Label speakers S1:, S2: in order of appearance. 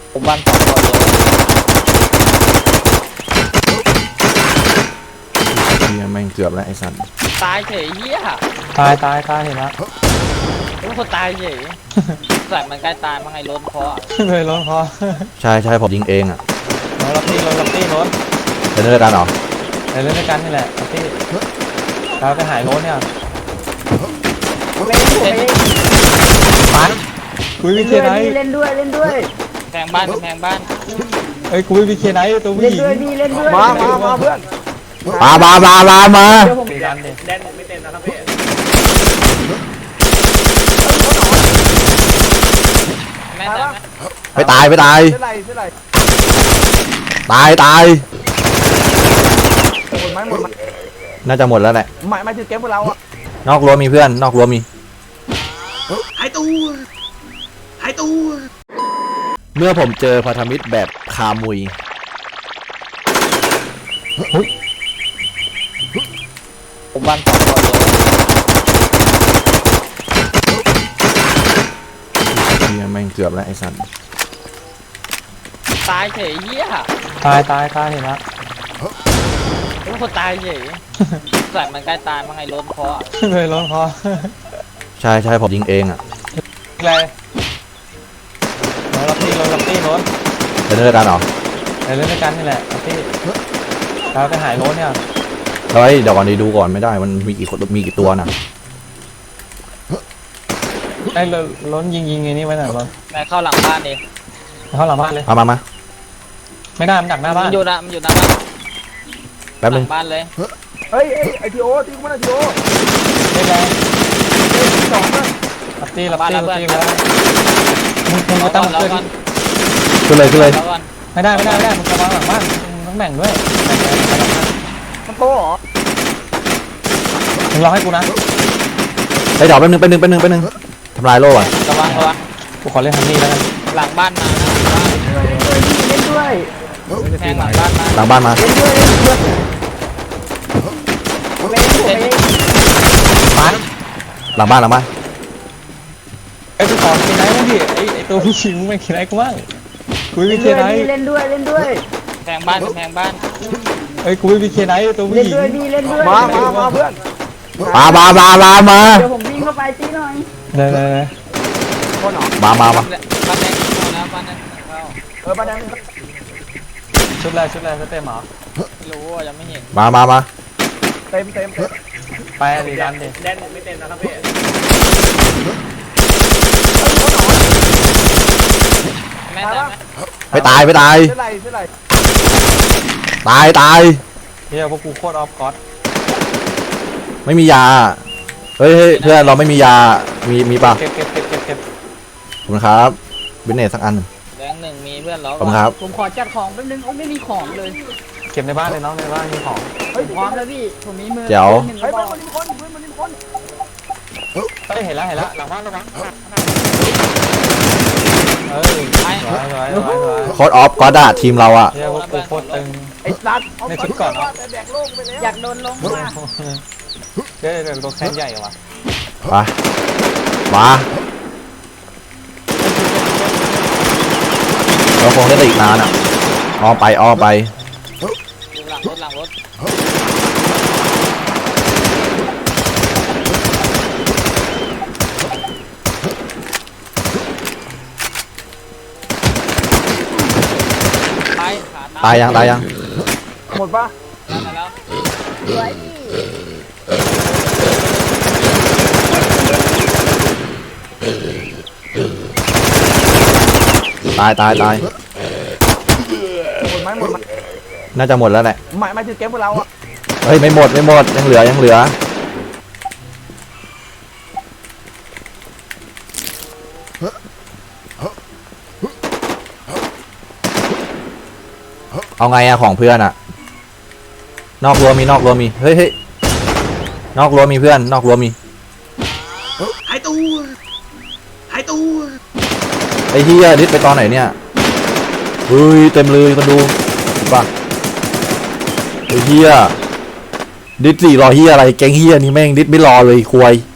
S1: ผมวัน2 คนเลย
S2: เฮียแม่งเกือบแล้วไอ้สัตว์
S1: ตายเฉยเหี้ย
S3: ตายเห็นแล้ว
S1: ทุกคนตายเฉยใส่มันใกล้ตายมั้งไงล้นคอ
S3: เลยร้อนคอ
S2: ใช่ผมยิงเองอ่ะ
S3: รถพี่รถ
S2: เป็นเรื่องการเหรอ
S3: ในเล่นด้วยกันนี่แหละพี่เราไปหายรถเนี่ยปันคุยวิเคไน
S4: เล่นด้วย
S1: แพงบ้าน
S3: เอ้ยคุยวิเคไนตัวผู้หญิง
S4: เล่นด้วย
S3: มาเพื่อน
S2: มา
S3: ตีกันดิ
S1: แดนไม่เต็มนะครับพี่แม่ตายไหม
S2: ไปตาย
S4: เท่าไหร่
S2: ตาย
S4: หมดไหม
S2: น่าจะหมดแล้วแหละ
S4: ไม่ถือเกมพวกเราอ่ะ
S2: นอกรั้วมีเพื่อนนอกรั้วมีหายตัวเมื่อผมเจอพันธมิตรแบบคามุย
S1: ผมวัน2 คนเลย
S2: เฮียแม่งเกือบแล้วไอ้สัตว์
S1: ตายเฉยเหี้ย
S3: ตายเห็นแล้ว
S1: ทุกคนตายเฉยใส่มันใกล้ตายมั้งไงล้นคอ
S3: เลยร้อนคอ
S2: ใช่ผมยิงเองอ่ะ
S3: อะไรรถพี่รถ
S2: เป็นเรื่องการเหรอ
S3: ในเล่นด้วยกันนี่แหละพี่เราไปหายรถเนี่ย
S2: เฮ้ยเดี๋ยวก่อนดูก่อนไม่ได้มันมีกี่ตัวน่ะ
S3: ไอ้รถยิงไงนี่ไว้หน่อยรถ
S1: แม่เข้าหลังบ้านดิ
S3: เข้าหลังบ้านเลย
S2: มา
S3: ไม่ได้มันดักหน้าบ้าน
S1: มันอยู่หน้าบ้าน
S2: แป๊บนึง
S1: หลังบ้านเลย
S4: เฮ้ยไอทีโอตีกูไม่ได้ทีโอ
S3: เล่นแรง
S4: สองนะ
S3: รับตีแล้วมึงก็ต้องช่วย
S2: ขึ้นเลย
S1: แล้วก่อน
S3: ไม่ได้มึงจะวางหลังบ้านมึงต้องแบ่งด้วยแบ่ง
S4: มันโตเหรอ
S3: มึงรอให้กูนะ
S2: เฮ้ยเดี๋ยวแป๊บนึงทำลายโล่ก่อน
S1: ระวัง
S3: กูขอเล่นฮันนี่แล้วกัน
S1: หลังบ้านมานะ
S4: เล่นด้วย
S1: แทงหลังบ้านมา
S2: หลังบ้านมา
S4: เล่นด้วย
S3: ปัน
S2: หลังบ้าน
S3: ไอ้กูขอกินไนท์บ้างดิไอ้ตัวผู้หญิงมึงไม่กินไนท์กูบ้างคุยวิเคไนท์
S4: เล่นด้วย
S1: แทงบ้าน
S3: ไอ้คุยวิเคไนท์ตัวผู้หญิง
S4: เล่นด้วยมาเพื่อน
S2: มา
S4: เดี๋ยวผมวิ่งเข้าไปตีหน่อย
S3: เลย
S4: คนหรอ
S2: มา
S1: บ้านแดงนะบ้านนั้นเข้า
S4: บ้านนั้น
S3: ชุดแรกสเต็มหรอ
S1: ไม่รู้ว่ายังไม่เห็น
S2: มา
S4: เต็ม
S3: ไปดิดันดิ
S1: แดนไม่เต็มนะครับพี่แม่ตายไหม
S2: ไปตาย
S4: เท่าไหร่
S2: ตาย
S3: เฮียพวกกูโคตรออฟก๊อต
S2: ไม่มียาเฮ้ยเพื่อนเราไม่มียามีป่ะ
S3: เก็บ
S2: ขอบคุณครับบินเนสสักอัน
S1: แดง1มีเพื่อนเรา
S2: ขอบคุณครับ
S4: ผมขอจัดของแป๊บนึงไม่มีของเลย
S3: เก็บในบ้านเลยน้องในบ้านมีของ
S4: พร้อมแล้วพี่ผมมีมือ
S2: เดี๋ยว
S4: เฮ้ยมันมีคน
S3: เห็นแล้วหลังบ้านแล้วมั้งสวย
S2: โค้ดออฟก็ได้ทีมเราอะ
S3: เฮียพวกกูโคตรตึง
S4: ไอ้สัตว์
S3: ในชุดก่อนเนาะ
S4: แบกโลกไปแล้วอยากโดนลงมา
S3: เดี๋ยวตัวแคนใหญ่ว่ะ
S2: มาเราคงได้อีกนานอะอ้อไป
S1: หลังรถ
S2: ตายยัง
S4: หมดปะ
S1: แล้ว
S2: ตาย
S4: หมดไหม
S2: น่าจะหมดแล้วแหละ
S4: ไม่ถือเกมพวกเราอ่ะ
S2: เฮ้ยไม่หมดยังเหลือเอาไงอะของเพื่อนอะนอกรั้วมีเฮ้ยนอกรั้วมีเพื่อนนอกรั้วมีหายตัวไอ้เฮียดิสไปตอนไหนเนี่ยเฮ้ยเต็มเลยคนดูป่ะไอ้เฮียดิส4รอเฮียอะไรแกงเฮียนี่แม่งดิสไม่รอเลยควาย